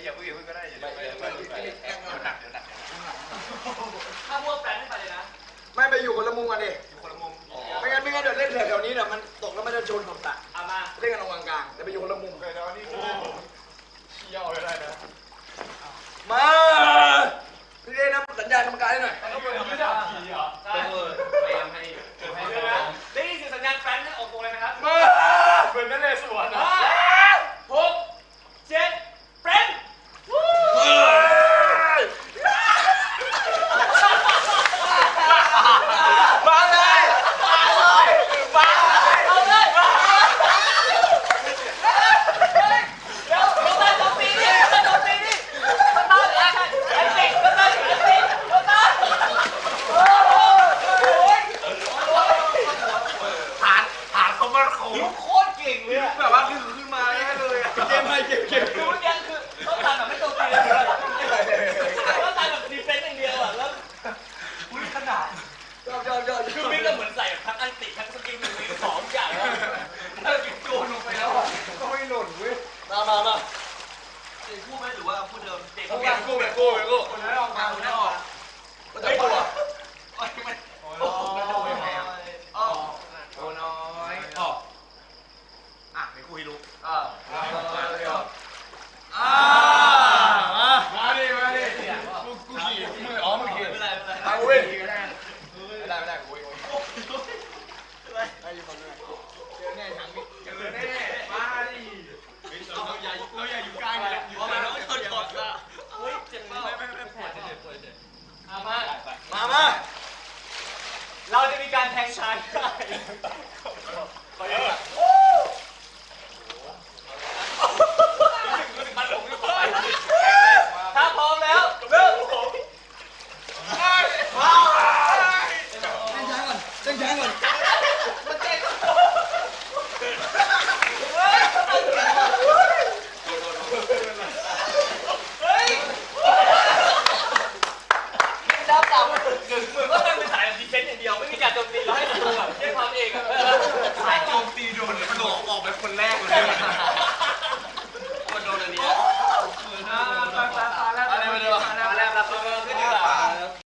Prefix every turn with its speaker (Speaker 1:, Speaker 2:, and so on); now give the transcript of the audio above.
Speaker 1: อย่าเพิ่งก็ได้อย่าไปหนักเดี๋ยวหนัก
Speaker 2: ถ้าพวกแฟนไม่ไปเลยนะ
Speaker 3: ไม่ไปอยู่คนละมุมกันดิ
Speaker 1: อยู่คนละมุม
Speaker 3: ไม่งั้นเดี๋ยวเล่นแถวนี้เนี่ยมันตกแล้วมันจะชนขอบตา
Speaker 2: เอามา
Speaker 3: เล่นกันตรงกลางๆแต่ไปอยู่คนละมุม
Speaker 1: เดี๋ยวนี่เชี่ยวเลยได้นะ
Speaker 3: มาพี่เล่นนะสัญญาณกรรมการให้หน่อย
Speaker 1: ต้องเป็นไม่ได้ขี่เหรอ
Speaker 2: ใช่พยายามให้ได้ยินเสียงสัญญาณแฟนออกตัวเลยนะครับ
Speaker 1: มาเหมือนนั่นเลยสวนนะ
Speaker 2: 6 7แฟน
Speaker 3: มาเลยมาเลย
Speaker 2: เอาเลยเดี๋ยวโดนโดนตีนี่โดนตีนี่โดนตาไอ้เด็กโดนตาโดนตีโดนตาโอ้ย
Speaker 1: ฐานเขามาโค้ง
Speaker 2: โคตรเก่งเลย
Speaker 3: แบบว่าขึ้นมาแน่เลยเกมไม่เกม
Speaker 2: คือเมื่อกี้คือต้องตาแบบไม่โดนตีเลยต้องตาแบบดีเฟนต์อย่างเดียวอ่ะแล้วอุ้ยขนาด
Speaker 3: ยอด
Speaker 2: คือมิ้งก็เหมือนใส่ทั้งอันติทั้งสกิลมี2อย่างแล้วถ้าจิบโจนลงไปแล้วอ่ะ
Speaker 3: ก็ไม่หล่นเว้ยมา
Speaker 2: เด็กพูดไหมหรือว่าพูดเดิมเด็ก
Speaker 1: กู้
Speaker 3: คนนั้นออกมาคนนั้นออก
Speaker 2: ก็จะตัว
Speaker 1: โอ้ยแหม
Speaker 3: โอ้น้อย
Speaker 1: ไม่คุยรู้
Speaker 3: มาดิกูขี่มือมึงขี่
Speaker 2: ไม่ได้
Speaker 3: มาเว้ยไม่ได้กูไอ้ยูคนนี้เจอแน่ทั้งนี้เจอแน่มาดิ
Speaker 1: เราอย่าอยู่ใกล้เลย
Speaker 2: เพราะมันต้องชนก่อนละเฮ้ยเจ็บเปล่าไม่แผลมาเราจะมีการแทงชายได้ถ้าพร้อมแล้วเริ่ม
Speaker 3: เต้นช้าก่อน
Speaker 2: แล้วต่ำก็ต้องเป็นสายดีเฟนต์อย่างเดียวไม่มีการโจมตีเราให้ตัวแบบแค่ความเองอ่ะ